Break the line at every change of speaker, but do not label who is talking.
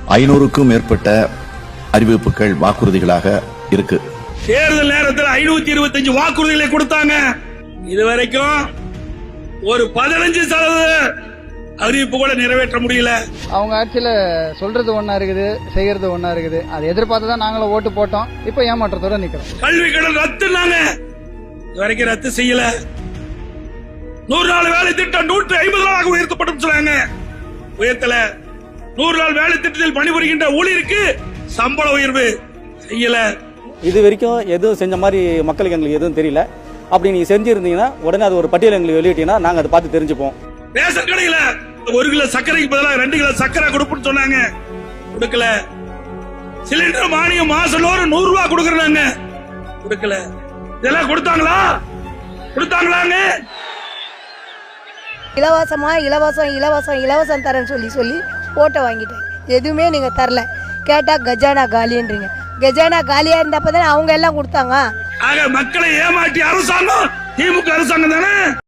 500க்கும் மேற்பட்ட அறிவிப்புகள் வாக்குறுதிகளாக இருக்கு.
தேர்தல் நேரத்தில் 525 வாக்குறுதிகளை கொடுத்தாங்க. இதுவரைக்கும் ஒரு 15% அறிவிப்பு கூட நிறைவேற்ற முடியல.
அவங்க ஆட்சியில சொல்றது ஒண்ணா இருக்குது, செய்யறது ஒண்ணா இருக்குது. அதை எதிர்பார்த்து தான் நாங்களும் ஓட்டு போட்டோம். இப்ப ஏமாற்றத்தோட நிக்கிறோம்.
கல்வி கடன் ரத்துனாங்க, இதுவரைக்கும் ரத்து செய்யல. 100 நாள் வேலை திட்டம் 150 நாளாக உயர்த்தப்படும் சொன்னாங்க, உயர்த்தல. 100 நாள் வேலை திட்டத்தில் பணிபுரிகின்ற ஊழியருக்கு சம்பள உயர்வு செய்யல.
இது வரைக்கும் எதுவும் செஞ்ச மாதிரி மக்களுக்கு எங்களுக்கு எதுவும் தெரியல. அப்படி நீங்க செஞ்சிருந்தீங்கன்னா உடனே அது ஒரு பட்டியல் எங்களுக்கு வெளியிட்டீங்கன்னா நாங்க அதை பார்த்து தெரிஞ்சுப்போம்.
ரேஷன் கடையில 1 கிலோ சர்க்கரைக்கு பதிலாக 2 கிலோ சர்க்கரை கொடுப்புன்னு சொன்னாங்க, கொடுக்கல. சிலிண்டர் மானியம் மாசம் 100 ரூபாய் கொடுக்கறாங்க, கொடுக்கல. இதெல்லாம் கொடுத்தாங்களா? கொடுத்தாங்களாங்க?
இலவசமா இலவசம் இலவசம் இலவசம் தரேன்னு சொல்லி ஓட்டை வாங்கிட்டேன். எதுவுமே நீங்க தரல. கேட்டா கஜானா காலின்றீங்க. கஜானா காலியா இருந்தப்பதான் அவங்க எல்லாம் கொடுத்தாங்க.
ஆக மக்களை ஏமாற்றி அரசாங்கம் திமுக அரசாங்கம் தானே.